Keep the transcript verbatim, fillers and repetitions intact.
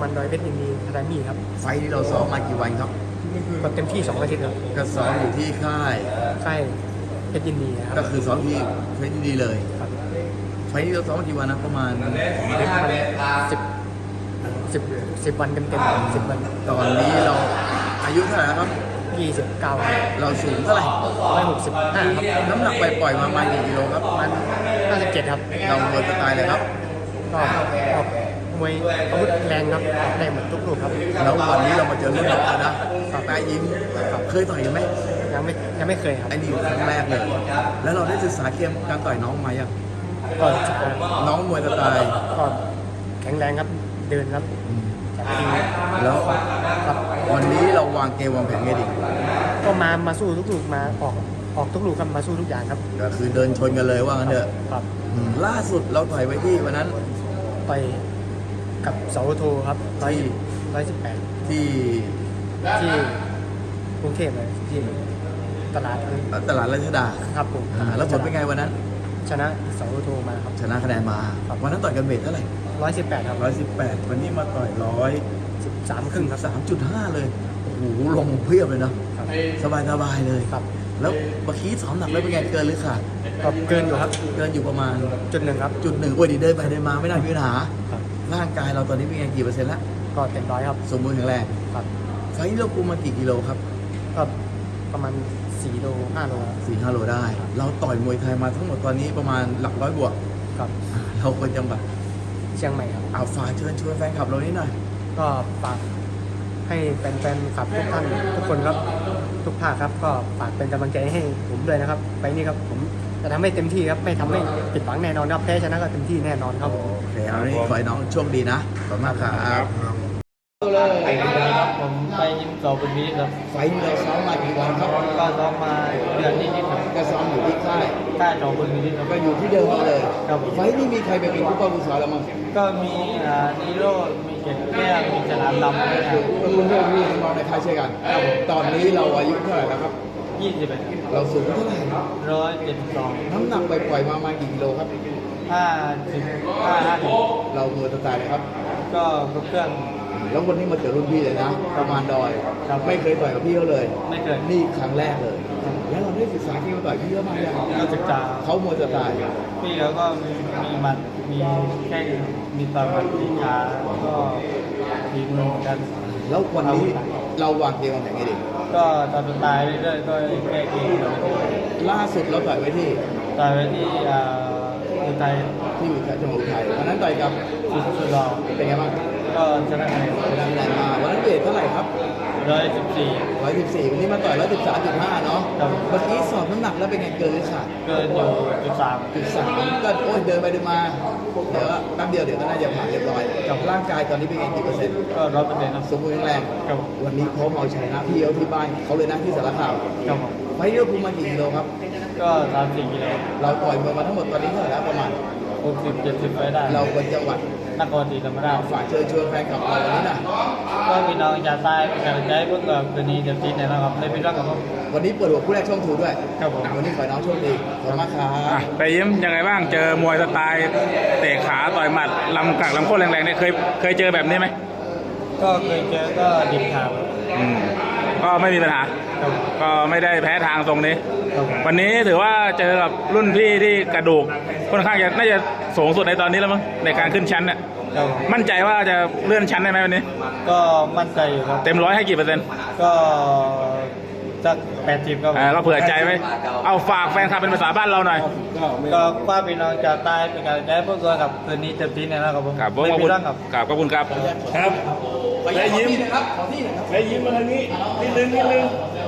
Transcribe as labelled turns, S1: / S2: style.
S1: มันดอยเพชรยินดีอะคาเดมี่ครับ
S2: ไฟล์ที่เราซ้อมมากี่วันครับ
S1: ก็เต็มที่สองอาทิตย์ครับ
S2: ก็ซ้อมอยู่ที่ค่าย
S1: ค่ายเพชรยินดีนะค
S2: ก็
S1: รับ
S2: คือซ้อมที่เพชรยินดีเลย
S1: ครับ
S2: ไฟล์ที่เราซ้อมมากี่วันนะประมาณ
S1: สิบสิบสิบวันเต็มเต็มสิบวัน
S2: ตอนนี้เราอายุเท่าไหร่แล้วครับ
S1: ยี่สิบเก้า
S2: เราสูงเท่าไหร่
S1: ร้อยหกสิบห้าครับ
S2: น้ำหนักไปปล่อยๆมาประมาณกี่กิโลครับ
S1: มันห้าสิบเจ็ดครับ
S2: เราเบอร์สไตล์เลยครับ
S1: ก็ออกมวยอาวุธแรงครับออกได้หมดทุกลูกครับ
S2: แล้ววันนี้เรามาเจอรุ่นน้องแล้วนะแปะยิ้มเคยต่อยกันไหม
S1: ยังไม่ยังไม่เคยครับ
S2: ไอ้นี่ครั้งแรกเลย แล้วเราได้ศึกษาเกมการต่อยน้องมายัง
S1: ก็จะ
S2: น้องมวยสไตล์
S1: ก็แข็งแรงครับเดินครับจากที
S2: แล้ว
S1: ครับ
S2: วันนี้เราวางเกมวางแผนไงดี
S1: ก็มามาสู้ทุกลูกมาออกออกทุกลูกครับมาสู้ทุกอย่างครับ
S2: ก็คือเดินชนกันเลยว่างั้นเถอะ
S1: ครับ
S2: อืมล่าสุดเราต่อยไว้ที่วันนั้น
S1: ไปกับเสาโทครับร้อยร้อยสิบแปด
S2: ที่
S1: ที่กรุงเทพเลยที่ตลาดเลย
S2: ตลาดราชดา
S1: ครับผม
S2: อ่าแล้วผลเป็นไงวันนั้น
S1: ชนะเสาโทมาครับ
S2: ชนะคะแนนมาวันนั้นต่อยกันเวทเท่าไหร่
S1: ร้อยสิบแปดครับ
S2: ร้อยสิบแปดวันนี้มาต่อยร้อย
S1: สิบสามครึ่งครับ
S2: สามจุดห้าเลยโอ้โหลงเพียบเลยเนาะ
S1: ครับ
S2: สบายสบายๆเลย
S1: ครับ
S2: แล้วเมื่อกี้ซ้อมหนักแล้วเป็นไงเกินหรือขาด
S1: ก็เกินอยู่ครับ
S2: เกินอยู่ประมาณ
S1: จุดหนึ่งครับ
S2: จุดหนึ่งโอ้ยดีเดินไปเดินมาไม่น่ามีปัญหา
S1: ครับ
S2: ร่างกายเราตอนนี้เป็นไงกี่เปอร์เซ็นต์แล้ว
S1: ก็เต็มร้อยครับ
S2: สมบูรณ์แข็งแรง
S1: ครับ
S2: ไฟล์นี้เราคุมมากี่กิโลครับ
S1: ก็ประมาณสี่โลห้าโล
S2: สี่ห้าโลได้ เราต่อยมวยไทยมาทั้งหมดตอนนี้ประมาณหลักร้อยบวก
S1: ครับ
S2: อ่าเราเป็นจังหวัด
S1: เชียงใหม่ครับ
S2: เอาฝากเชิญชวนแฟนคลับเรานิดหน่อย
S1: ก็ฝากให้แฟนๆขับทุกท่านทุกคนครับทุกภาคครับ ก็ฝากเป็นกำลังใจให้ผมด้วยนะครับ ไปนี่ครับผมจะทำให้เต็มที่ครับไม่ทำให้ผิดหวังแน่นอนครับแพ้ชนะก็เต็มที่แน่นอนครับผม
S2: โอเคเอานี้ขอให้น้องโชคดีนะขอบคุณมากครับ
S1: ครับผมไปยิมสอบเป็นวิครับ
S2: ไฟล์นี้เราซ้อมมากี่วันครับ
S1: ก็ซ้อมมาเดือนนิดๆครับ
S2: ก็ซ้อมอยู่ที่ค่าย
S1: ค่าสอบเป็นวิครับ
S2: ก็อยู่ที่เดิมมาเลย
S1: ครับผม
S2: ไฟล์นี้มีใครไปเป็นผู้ป้องกันสอนเรามั้ง
S1: ก็มีอ่านิโรธมีเกศแก้วมีฉลามดำด้วยครับ
S2: ก็รุ่นเพื่อนพี่น้องในค่ายช่วยกัน ตอนนี้เราอายุเท่าไหร่แล้วครับ
S1: ยี่สิบเอ็ด
S2: เราสูงเท่าไหร่
S1: ร้อยเจ็ดสิบสอง
S2: น้ำหนักไปปล่อยๆมาประมาณกี่กิโลครับ
S1: ห้าสิบห้าห้าสิบ
S2: เราเมือสไตล์เลยครับ
S1: ก็ครบเครื่อง
S2: แล้ววันนี้มาเจอรุ่นพี่เลยนะ ประมาณดอย
S1: ครับ
S2: ไม่เคยต่อยกับพี่เขาเลย
S1: ไม่เคย
S2: นี่ครั้งแรกเลย แล้วเราได้ศึกษาที่เขาต่อยพี่เขามายัง
S1: ก็ศึกษา
S2: เขามวยสไตล์
S1: พี่เขาก็มีมีหมัดมีแข้งมีต่อยหมัดมีขาก็ทีมือเหมือนกัน
S2: แล้ววันนี้เราวางเกมวางแผนไงดี
S1: ก็ตามสไตล์เรื่อยๆก็แก้เกมต่อย
S2: ล่าสุดเราต่อยไว้ที่
S1: ต่อยไปที่อ่าอุทัย
S2: ที่อยู่จังหวัดอุทัยวันนั้นต่อยกับ
S1: สุดสุดรอ
S2: เป็นไงบ้าง
S1: ก็ชนะคะแนน
S2: ชนะแรงมาวันนั้นเวทเท่าไหร่ครับ
S1: ร้อยสิบสี่
S2: ร้อยสิบสี่วันนี้มาต่อยร้อยสิบสามจุดห้าเนาะ
S1: ครับ
S2: เมื่อกี้สอบน้ำหนักแล้วเป็นไงเกินหรือขาด
S1: เกินอยู่จุดสาม
S2: จุดสามก็โอ้ยเดินไปเดินมาเดี๋ยวแป๊บเดียวเดี๋ยวก็น่าจะผ่านเรียบร้อยกับร่างกายตอนนี้เป็นไงกี่เปอร์เซ็นต์
S1: ก็ร้อยเปอร์เซ็นต์ครับ
S2: สมบูรณ์แข็งแรง
S1: ครับผม
S2: วันนี้พร้อมเอาชนะพี่เขาที่บ้านเขาเลยนะที่สารคาม
S1: ครับผม
S2: ไฟล์เลือกคุมมากี่กิโลครับ
S1: ก็สามสี่กิโล
S2: เราต่อยมวยมาทั้งหมดตอนนี้เท่าไหร่แล้วประมาณ
S1: หกสิบเจ็ดสิบไปได้
S2: เราเป็นจังหวัด
S1: นครศรีธรรมราช
S2: ฝากเชิญชวนแฟนคลับเราวันนี้หนะ
S1: ก็พี่น้องชาวใต้เป็นกำลังใจให้พวกเราคืนนี้เต็มที่แน่นอนครับไม่เป็นไรครับผม
S2: วันนี้เปิดหัวคู่แรกช่องทูด้วย
S1: ครับผม
S2: อ่ะวันนี้ขอให้น้องโชคดีขอบคุณมากครั
S3: อ่ะ
S2: บ
S3: ไปยิ้มยังไงบ้างเจอมวยสไตล์เตะขาต่อยหมัดลำกักลำโค้งแรงๆเนี่ยเคยเคยเจอแบบนี้ไหม
S1: ก็เคยเจอก็ดิบขาด
S3: อืมก็ไม่มีปัญหา
S1: ครับ
S3: ก็ไม่ได้แพ้ทางตรงนี้
S1: ครับผม
S3: วันนี้ถือว่าเจอกับรุ่นพี่ที่กระดูกค่อนข้างจะน่าจะสูงสุดในตอนนี้แล้วมั้งในการขึ้นชั้นเนี่ย
S1: ครับผม
S3: มั่นใจว่าจะเลื่อนชั้นได้ไหมวันนี้
S1: ก็มั่นใจอยู่ครับ
S3: เต็มร้อยให้กี่เปอร์เซ็นต์
S1: ก็สักแปดสิบครับผม
S3: อ่าเราเผื่อใจไว้เอาฝากแฟนคลับเป็นภาษาบ้านเราหน่อย
S1: ก็ป้าพี่น้องชาวใต้เป็นกำลังใจให้พวกเราครับคืนนี้เต็มที่แน่นอนครับผม
S3: ครับข
S1: ไม่
S3: อบ
S1: เป็
S3: คุณ
S1: นไรครับ
S3: ครับขอบคุณครับ
S4: ครับ
S2: ไปยิ้มนะครับขอที่หน่อยครับ
S4: ไปยิ้มมาทางนี้นิดนึงนิดนึง